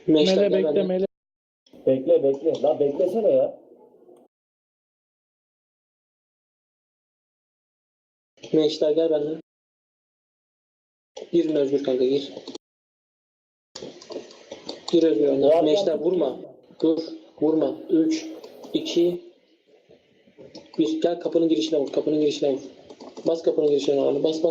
Meşler Mele gel bekle benden. mele. Bekle. La beklesene ya. Meşler gel benden. Girin Özgür kanka gir. Gir Özgür önden. Meşler vurma. Dur. Vurma. 3, 2, 1. Gel kapının girişine vur. Kapının girişine vur. Bas kapının girişine vur. Bas.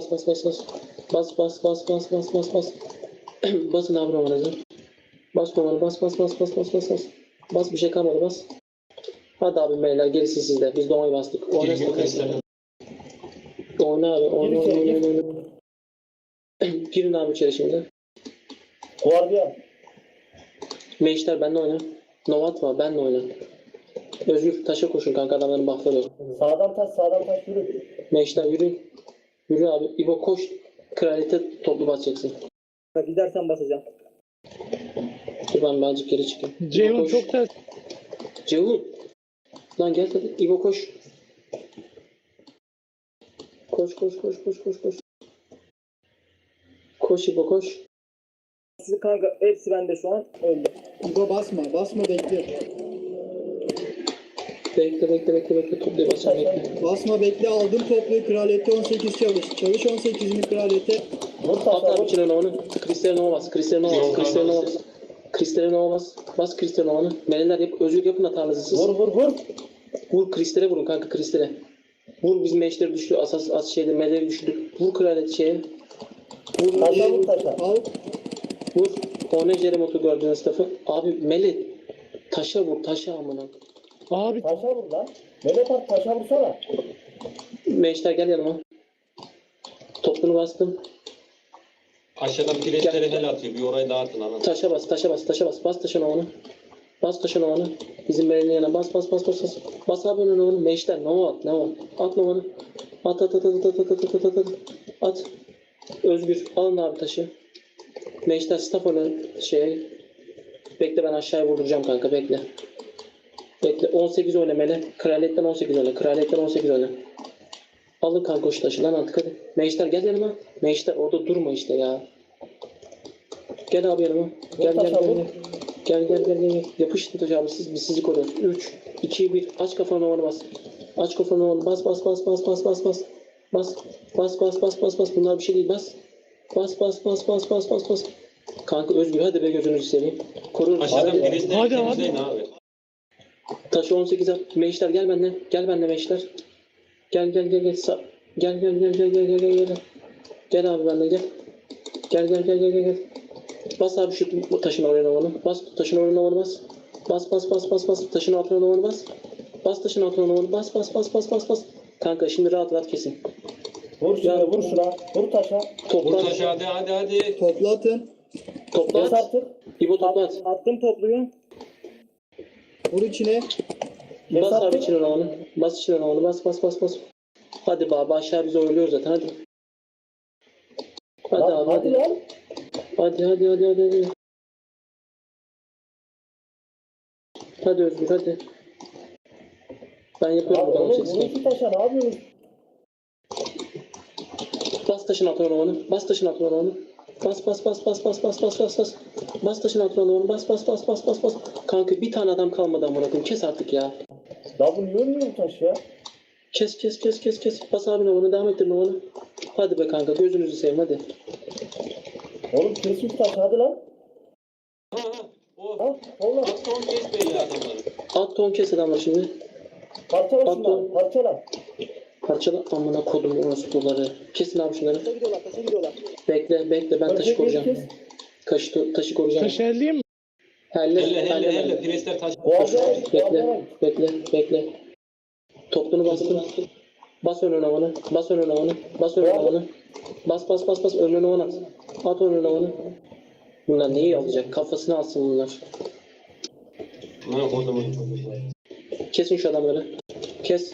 Bas. Basın abi romanızı. Bas romanı. Bas. Bas bir şey kalmadı bas. Hadi abi beyler gerisi sizde. Biz doğayı bastık. Oyna abi. Oyna. Girin abi içeri şimdi. Guardian. Meşler benle oyna. Nova atma benle oyna. Özgür taşa koşun kanka adamların buffları. Sağdan taş yürü. Meşler yürü. Yürü abi. İbo koş. Kraliyete toplu basacaksın. Gidersen basacağım. Dur ben birazcık geri çıkayım. Ceyhun çok ters. Ceyhun. Lan gel hadi. İbo koş. Koş. Koş İbo koş. Sizi kanka hepsi bende şu an öldü. İbo basma bekle. Bekle. Toplu basacağım bekle. Basma bekle aldım toplu kraliyete 18 çalış. Çalış 18'ini kraliyete. At abi içine onu. Kristal'e Nova bas. Kristal'e Nova bas. Bas Kristal'e Nova'nı. Meleler yap. Özgür yapın hatanızı siz. Vur. Vur Kristal'e vurun kanka Kristal'e. Vur bizim meşleri düştü. Asas şeyde meleleri düştü. Vur kraliyet şeye. Vur. Taşa. Al. Vur. Oyna Jeremot'u gördüğünüz tarafı. Abi mele. Taşa vur. Taşa amına. Abi Taşa vur lan. Mehmet abi taşa vursana. Meşler gel yanıma. Topunu bastım. Aşağıdan pireçleri hel atıyor. Bir orayı dağıtın ana. Taşa bas. Bas taşına onu. Bas taşına onu. Bizim belinin yanına bas. Bas abi onu. Meşler Nova at. At Nova'nı. At. Özgür alın abi taşı. Meşler staff onu Bekle ben aşağıya vurduracağım kanka bekle. 18 oyna Mele. Kraliyetten 18 oyna. Alın kanka şu taşı lan artık hadi. Meşler gel yanıma. Meşler orada durma işte ya. Gel abi yanıma. Gel. Yapıştın taşı abi biz sizi koruyoruz. 3, 2, 1. Aç kafanı Nova'nı bas. Bas. Bas. Bunlar bir şey değil bas. Bas. Kanka Özgür hadi be gözünüzü seveyim. Korun. Aşağıdan pireçleri Hadi. temizleyin abi. Taşı 18 at. Meşler gel benden. Gel benden Meşler. Gel. Gel abi benden gel. Gel. Bas abi şu taşın oraya onu. Bas taşın oraya onu bas. Bas. Taşın altına onu bas. Bas taşın altına onu bas. Kanka şimdi rahat kesin. Vur şuna. Vur taşa. Vur taşı hadi. Toplatın. Topla Bas at. artık. İbo topla at. Attım topluyu. Vur içine. Bas abi içine onu. Bas içine onu. Bas. Hadi baba aşağı bizi oyluyor zaten hadi. Hadi abi Hadi lan. Hadi. Hadi Özgür hadi. Ben yapıyorum Abi buradan oğlum sesini. vur şu taşa ne yapıyorsun? Bas taşın altına onu. Bas. Bas taşın altına onu. Bas. Kanka bir tane adam kalmadı amına koyayım. Kes artık ya. La bu niye ölmüyor bu taş ya? Kes. Bas abi onu devam ettir onu. Hadi be kanka gözünüzü seveyim hadi. Oğlum kes şu taşı hadi lan. O. Al oğlum. At son kes belli adamları. Alt ton kes adamlar şimdi. Parçala At şunları. Parçala. Parçala amına kodum orospuları. Kesin abi şunları. Taşa gidiyorlar. Bekle ben taşı koruyacağım. Taşı koruyacağım. taş elleyeyim mi? Helle. Pireçler taş. Guardian. Bekle. Topunu bastım. Bas önüne onu. Bas önüne onu. Bas. Önüne onu at. At önüne onu. Bunlar neyi alacak? Kafasını alsın bunlar. Bana kodumun çok güzel. Kesin şu adamları. Kes.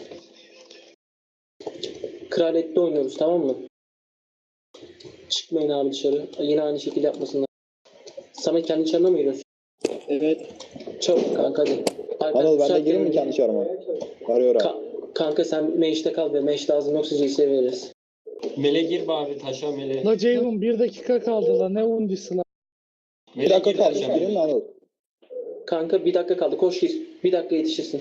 Kraliyette oynuyoruz tamam mı? Çıkmayın abi dışarı. Yine aynı şekilde yapmasınlar. Samet kendi çarına mı giriyorsun? Evet. Çabuk kanka hadi. Anıl ben de gireyim mi kendi çarıma? Arıyor abi. Kanka sen meşte kal be. Meş lazım yoksa CS'ye veririz. Mele gir be abi taşa mele. La Ceyhun 1 dakika kaldı la ne undisi la. Bir dakika kaldı. Gireyim mi Anıl? Kanka bir dakika kaldı. Koş gir. Bir dakika yetişirsin.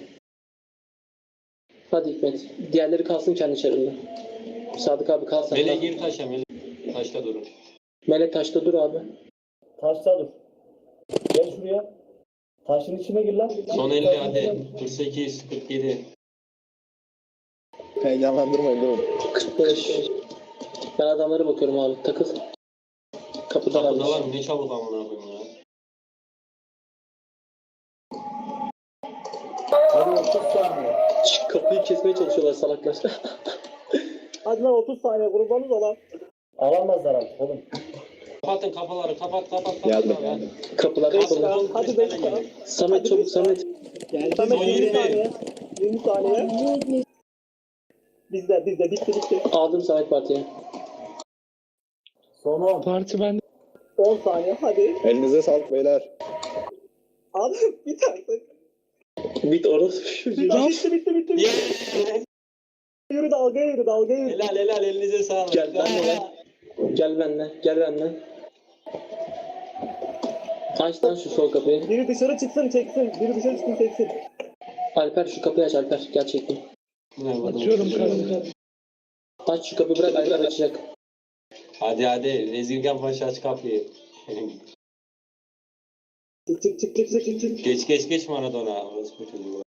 Hadi Hikmet. Diğerleri kalsın kendi çarında. Sadık abi kal sen. Mele gir taşa Mele. Taşta durun. Mele taşta dur abi. Taşta dur. Gel şuraya. Taşın içine gir lan. Son 50 hadi. 48, 47. Heyecanlandırmayın durun. 45. Ben adamlara bakıyorum abi. Takıl. Kapıda Kapıda var varmış. mı? Ne çabuk amına koyayım ya. Hadi 30 saniye. Kapıyı kesmeye çalışıyorlar salaklar. Hadi lan 30 saniye kurbanız olan. Alamazlar artık oğlum. Kapatın kapıları. Kapat. Geldim. Ya. Kapılar kapalı. Hadi 5 saniye. Samet çabuk Samet. Geldi. Samet Son 20 20. saniye. 20 saniye. Bizde bitti. Aldım Samet partiye. Son 10. Parti bende. 10 saniye hadi. Elinize sağlık beyler. Abi bit artık. Bit orası. Bitti. Yeah. Yürü dalgaya yürü. Helal elinize sağlık. Gel benimle. Gel benimle. Aç lan şu sol kapıyı. Biri dışarı çıksın çeksin. Alper şu kapıyı aç Alper. Gerçekten. Açıyorum kanka. Aç şu kapıyı bırak Alper açacak. Hadi. Rezilgen Paşa aç kapıyı. Çık. Geç Maradona. Orası bu çocuğu.